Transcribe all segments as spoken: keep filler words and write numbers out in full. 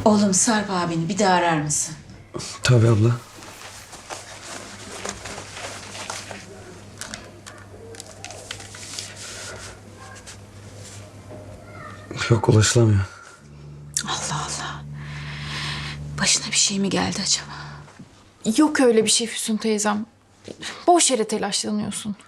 Oğlum Sarp abini bir daha arar mısın? Tabii abla. Yok, ulaşılamıyor. Allah Allah. Başına bir şey mi geldi acaba? Yok öyle bir şey Füsun teyzem. Boş yere telaşlanıyorsun.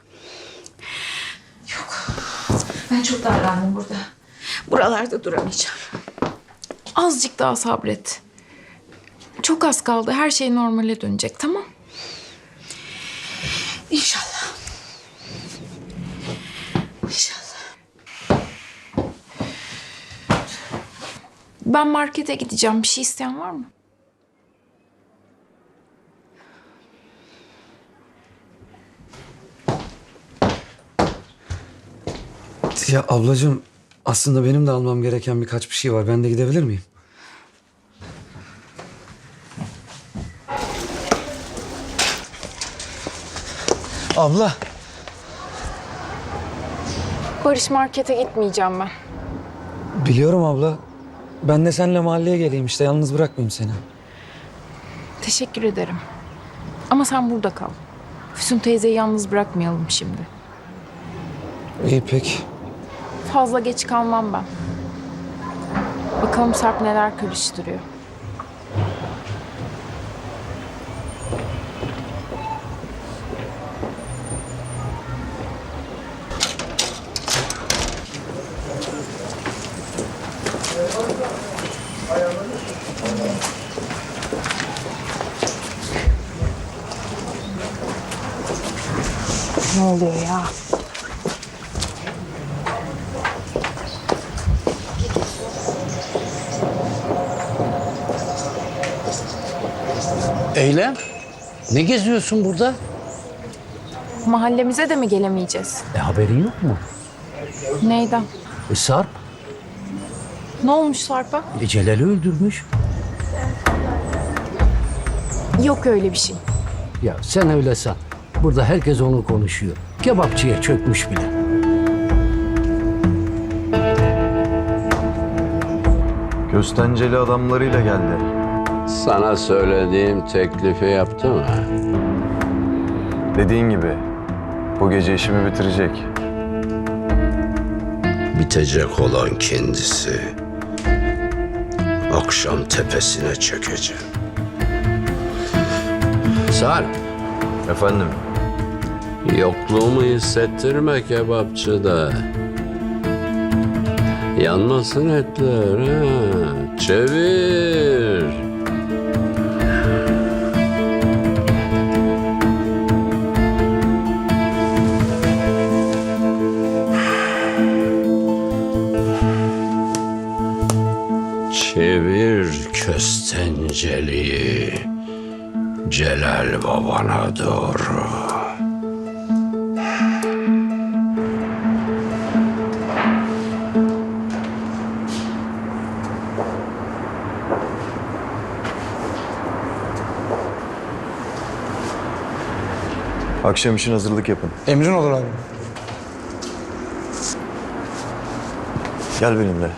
Yok. Ben çok darlandım burada. Buralarda duramayacağım. Azıcık daha sabret. Çok az kaldı. Her şey normale dönecek, tamam? İnşallah. İnşallah. Ben markete gideceğim. Bir şey isteyen var mı? Ya ablacığım, aslında benim de almam gereken birkaç bir şey var. Ben de gidebilir miyim? Abla. Barış, markete gitmeyeceğim ben. Biliyorum abla. Ben de seninle mahalleye geleyim işte. Yalnız bırakmayayım seni. Teşekkür ederim. Ama sen burada kal. Füsun teyzeyi yalnız bırakmayalım şimdi. İyi peki. Fazla geç kalmam ben. Bakalım Sarp neler karıştırıyor. Ne oluyor ya? Eylem, ne geziyorsun burada? Mahallemize de mi gelemeyeceğiz? E haberin yok mu? Neyden? E Sarp, Ne olmuş Sarp'a? e Celal'i öldürmüş. Yok öyle bir şey. Ya sen öyle san. Burada herkes onu konuşuyor. Kebapçıya çökmüş bile. Köstenceli adamlarıyla geldi. Sana söylediğim teklifi yaptı mı? Dediğin gibi bu gece işimi bitirecek. Bitecek olan kendisi. Akşam tepesine çökeceğim. Sarp, Efendim, yokluğumu hissettirme kebapçıda. Yanmasın etler ha. Çevir. Çevir köstenceliği Celal babana doğru. akşam için hazırlık yapın. Emrin olur abi. Gel benimle.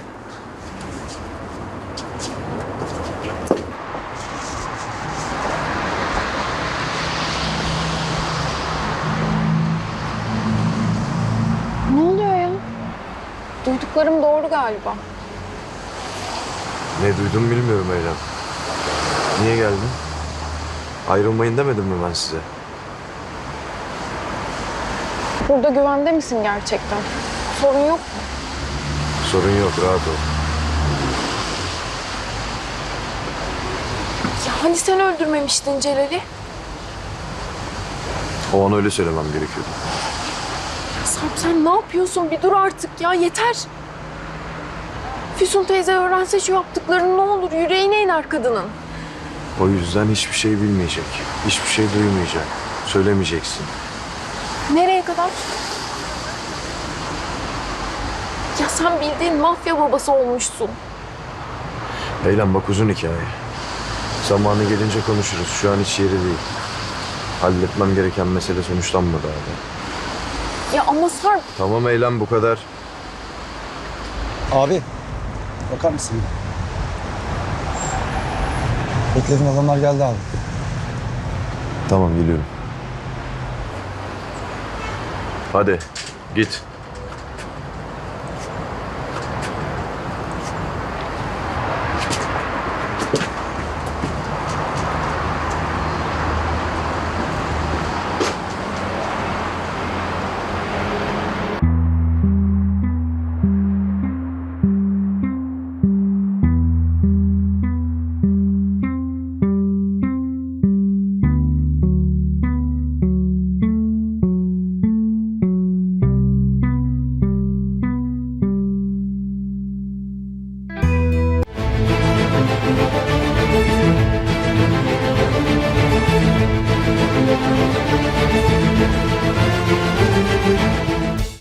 Ne oluyor ya? Duyduklarım doğru galiba. Ne duydum bilmiyorum Eylem. Niye geldin? Ayrılmayın demedim mi ben size? Burada güvende misin gerçekten? Sorun yok mu? Sorun yok, rahat ol. Ya hani sen öldürmemiştin Celal'i? O an öyle söylemem gerekiyordu. Sarp sen ne yapıyorsun? Bir dur artık ya, yeter. Füsun teyze öğrense şu yaptıklarını ne olur? Yüreğine iner kadının. O yüzden hiçbir şey bilmeyecek. Hiçbir şey duymayacak. Söylemeyeceksin. Nereye kadar? Ya sen bildiğin mafya babası olmuşsun. Eylem bak, uzun hikaye. Zamanı gelince konuşuruz. Şu an hiç yeri değil. Halletmem gereken mesele sonuçlanmadı hala. Ya ama Sarp... Tamam Eylem, bu kadar. Abi, bakar mısın? Beklediğin adamlar geldi abi. Tamam geliyorum. Hadi git.